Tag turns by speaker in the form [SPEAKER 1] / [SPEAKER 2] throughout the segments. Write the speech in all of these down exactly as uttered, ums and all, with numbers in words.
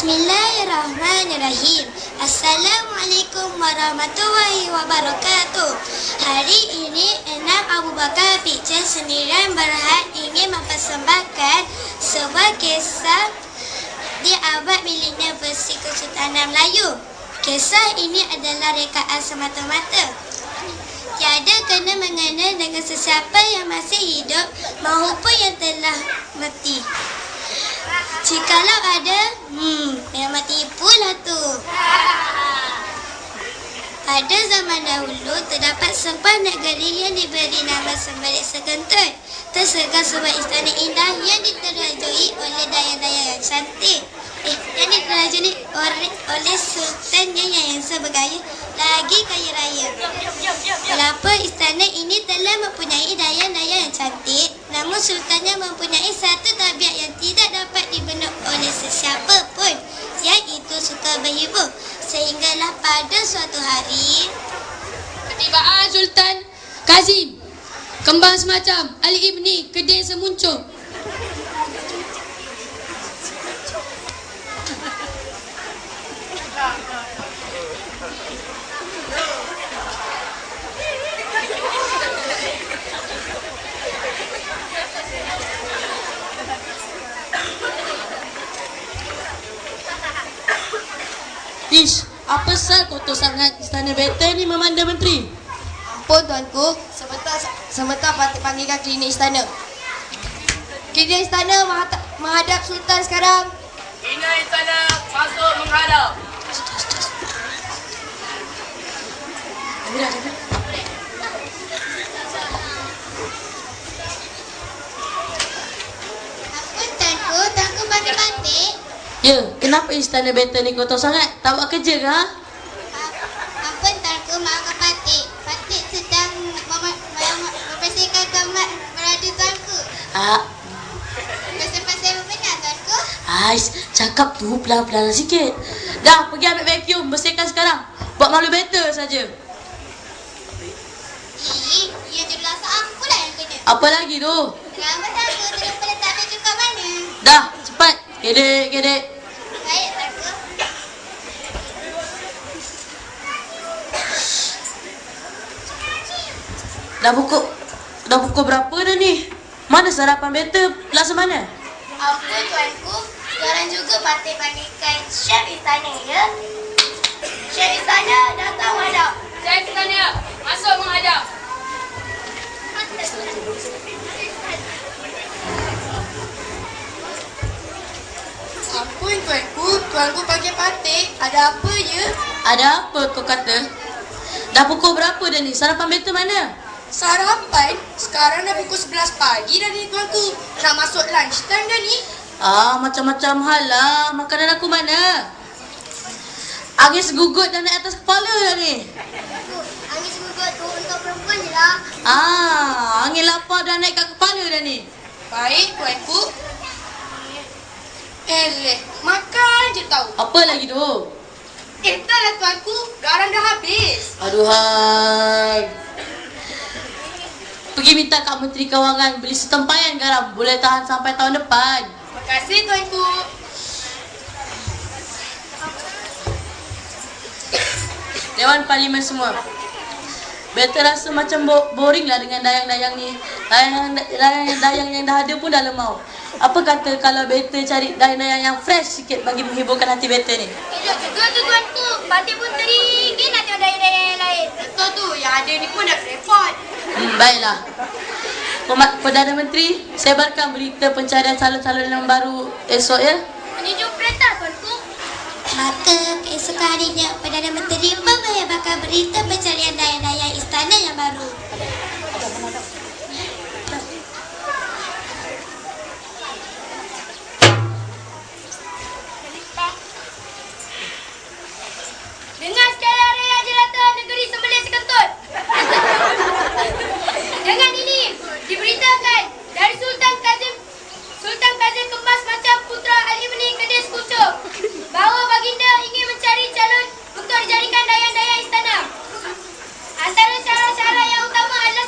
[SPEAKER 1] Bismillahirrahmanirrahim. Assalamualaikum warahmatullahi wabarakatuh. Hari ini Enam Abu Bakar Picture Sendirian Berhad ingin mempersembahkan sebuah kisah di abad milenial versi Kesultanan Melayu. Kisah ini adalah rekaan semata-mata. Tiada kena mengena dengan sesiapa yang masih hidup maupun yang telah mati. Jikalau ada, hmm, memang tipulah tu. Pada zaman dahulu, terdapat sebuah negeri yang diberi nama Semberit Sekentut. Tersegar sebuah istana indah yang diterajui oleh dayang-dayang yang cantik. Eh, yang diterajui oleh, oleh sultannya yang sebagaya lagi kaya raya. Walaupun istana ini telah mempunyai dayang-dayang yang cantik, namun sultannya mempunyai satu tabiat yang tidak dapat dibendung oleh sesiapa pun, iaitu suka berhibur. Sehinggalah pada suatu hari,
[SPEAKER 2] ketibaan Sultan Kazim, kembang semacam Ali Ibni Keding Semuncung.
[SPEAKER 3] Ish, apa sal kotor sangat istana betel ni Memanda Menteri?
[SPEAKER 4] Ampun tuanku, sebentar sebentar patut panggilkan klinik istana. Klinik istana menghadap, menghadap Sultan sekarang.
[SPEAKER 5] Klinik istana masuk menghadap.
[SPEAKER 1] ampun tuanku, tuanku batik-batik.
[SPEAKER 3] Ya, kenapa istana betel ni kotor sangat? Tak buat kerja ke? Ha?
[SPEAKER 1] Ampun tuanku, maafkan Patik. Patik sedang mem- mem- membersihkan kamar berada tuanku.
[SPEAKER 3] Ah,
[SPEAKER 1] Pasal-pasal benar tuanku.
[SPEAKER 3] ais, cakap tu pelan-pelan sikit. Dah, pergi ambil vacuum, bersihkan sekarang. Buat malu betel saja.
[SPEAKER 1] Ih, ia jelas aku lah yang kena.
[SPEAKER 3] Apa lagi tu?
[SPEAKER 1] Kenapa tuanku terlupa letak baju kat mana?
[SPEAKER 3] Dah, cepat. Gedek, gedek.
[SPEAKER 1] Baik tuanku.
[SPEAKER 3] Dah pukul Dah pukul berapa dah ni? Mana sarapan betel? Laksa mana?
[SPEAKER 1] Ampun tuanku, sekarang juga Patik panggilkan chef istana ya. Chef istana datang menghadap.
[SPEAKER 2] Saya istana masuk menghadap.
[SPEAKER 4] Ampun tuanku, tuanku panggil Patik. Ada apa je?
[SPEAKER 3] Ada apa kau kata? Dah pukul berapa dah ni? Sarapan betel mana?
[SPEAKER 4] Sarapan? Sekarang dah pukul sebelas pagi dah ni tuanku. Nak masuk lunch time dah ni.
[SPEAKER 3] Ah, macam-macam hal lah. Makanan aku mana? Angin segugut dah naik atas kepala dah ni.
[SPEAKER 1] Angin semoga tu untuk perempuan je lah.
[SPEAKER 3] Ah, angin lapar dah naik kat kepala dah ni.
[SPEAKER 4] Baik tuanku. Eleh, makan je tahu.
[SPEAKER 3] Apa lagi tu?
[SPEAKER 4] Eh, tak lah tuanku. Garam dah habis.
[SPEAKER 3] Aduhai. Pergi minta Kak Menteri Kewangan beli setempayan garam. Boleh tahan sampai tahun depan.
[SPEAKER 4] Terima kasih tuanku.
[SPEAKER 3] Dewan Parlimen semua. Betul rasa macam bo- boring lah dengan dayang-dayang ni. Dayang-dayang yang dah ada pun dah lemau. Apa kata kalau Betul cari dayang-dayang yang fresh sikit bagi menghiburkan hati Betul ni?
[SPEAKER 1] Elok juga tu tuanku. Patik pun teringin nak tengok daya-daya yang lain.
[SPEAKER 4] Betul tu, yang ada ni pun dah repot.
[SPEAKER 3] Hmm, baiklah. Pemat- Perdana Menteri, sebarkan berita pencarian calon-calon yang baru esok ya.
[SPEAKER 1] Menunjuk perintah tuanku. Maka keesokan harinya Perdana Menteri membayarkan berita pencarian dayang-dayang istana yang baru.
[SPEAKER 2] Dengar sekalian rakyat jelata negeri Sembelit Sekentut. Dengan ini diberitakan dari Sultan Kazim Sultan Kazim Kembang Semacam Putra Ali Ibni Keding Semuncung bahawa baginda ingin mencari calon untuk dijadikan dayang-dayang istana. Antara cara-cara yang utama adalah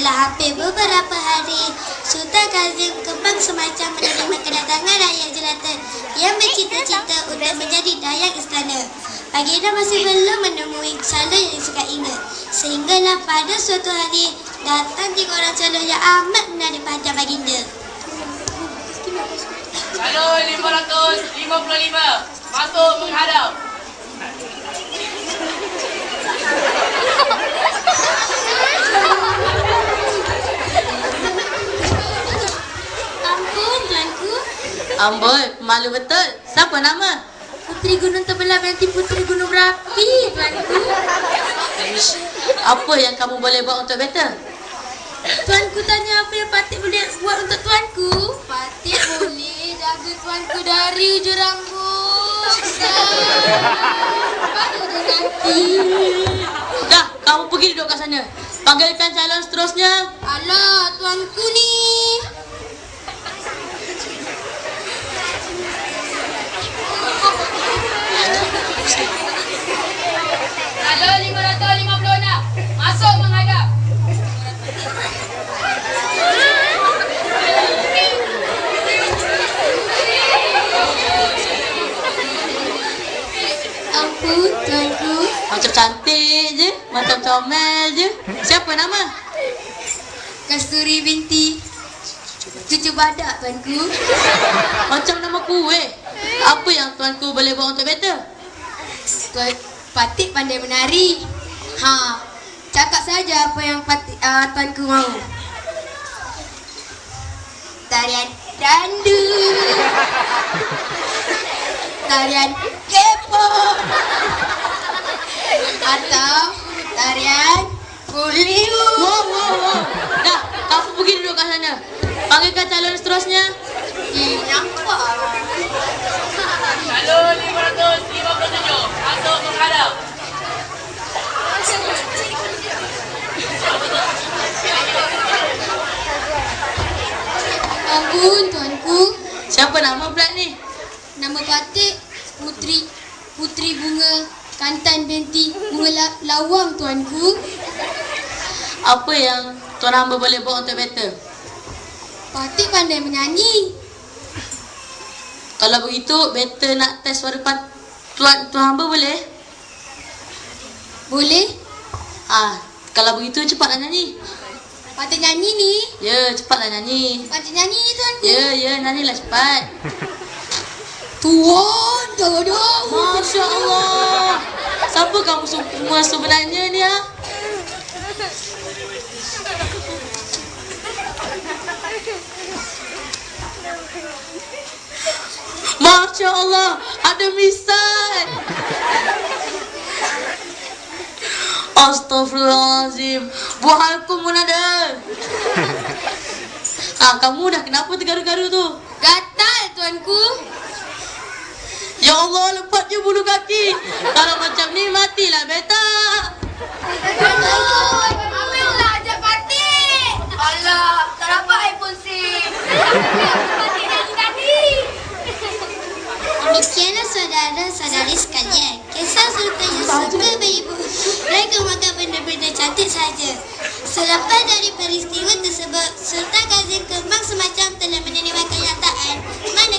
[SPEAKER 1] Setelah hampir beberapa hari, Sultan Kazim Kembang semacam menerima kedatangan rakyat jelata yang bercita-cita untuk menjadi dayang istana. Baginda masih belum menemui calon yang disukainya. Sehinggalah pada suatu hari, datang tiga orang calon yang amat menarik perhatian baginda.
[SPEAKER 5] Calon lima ratus lima puluh lima. Masuk menghadap.
[SPEAKER 1] Ampun, tuanku.
[SPEAKER 3] Amboi, malu betul. Siapa nama?
[SPEAKER 1] Puteri Gunung Terbelah binti Puteri Gunung Berapi, tuanku.
[SPEAKER 3] Apa yang kamu boleh buat untuk beta?
[SPEAKER 1] Tuanku tanya apa yang Patik boleh buat untuk tuanku? Patik boleh jaga tuanku dari ujung rambut sampai ujung kaki.
[SPEAKER 3] Dah, kamu pergi duduk kat sana. Panggilkan calon seterusnya.
[SPEAKER 1] Alah, tuanku ni.
[SPEAKER 2] Calon lima ratus lima puluh enam. Masuk menghadap.
[SPEAKER 1] Ampun, tuanku.
[SPEAKER 3] Macam cantik je, macam comel je. Siapa nama?
[SPEAKER 1] Kasturi binti cucu badak, tuanku.
[SPEAKER 3] Macam nama kuih. Apa yang tuanku boleh buat untuk beta?
[SPEAKER 1] Tuan Patik pandai menari. Ha, cakap saja apa yang Patik uh, tuanku mahu. Tarian dandu. Tarian kepo. Atau tarian kuliu.
[SPEAKER 3] Wow, wow, wow. Dah, kamu pergi duduk kat sana. Panggilkan calon seterusnya.
[SPEAKER 1] Ih, nampak.
[SPEAKER 5] Calon lima ratus lima puluh tujuh. Masuk menghadap.
[SPEAKER 1] Ampun, tuanku.
[SPEAKER 3] Siapa nama pula ni?
[SPEAKER 1] Nama Patik Putri Putri Bunga Kantan binti Bunga la, Lawang, tuanku.
[SPEAKER 3] Apa yang tuan hamba boleh buat untuk beta?
[SPEAKER 1] Patik pandai menyanyi.
[SPEAKER 3] Kalau begitu, beta nak test suara pat tuan tuan hamba boleh?
[SPEAKER 1] Boleh?
[SPEAKER 3] Ah, kalau begitu cepatlah nyanyi.
[SPEAKER 1] Patik nyanyi ni.
[SPEAKER 3] Ya, cepatlah nyanyi.
[SPEAKER 1] Patik nyanyi ni, tuanku.
[SPEAKER 3] Ya, ya, nyanyilah cepat.
[SPEAKER 1] Tuan, dah-dah.
[SPEAKER 3] Masya Allah. Siapa kamu semua sebenarnya ni, ha? Masya Allah, ada misal. Astaghfirullahaladzim. Buahalku pun ada. Ah, kamu dah kenapa tergaru-garu tu?
[SPEAKER 1] Gatal, tuanku.
[SPEAKER 3] Ya Allah, lepas je bulu kaki. Kalau macam ni, matilah beta.
[SPEAKER 2] Ambillah ajak Patik. Alah, tak dapat iPhone SIM. Patik nyanyi tadi.
[SPEAKER 1] Demikianlah saudara-saudari sekalian, kisah Sultan yang suka beribu dan kemakan benda-benda cantik saja. Selepas dari peristiwa tersebut, Sultan Kazim Kembang semacam telah menerima kenyataan mana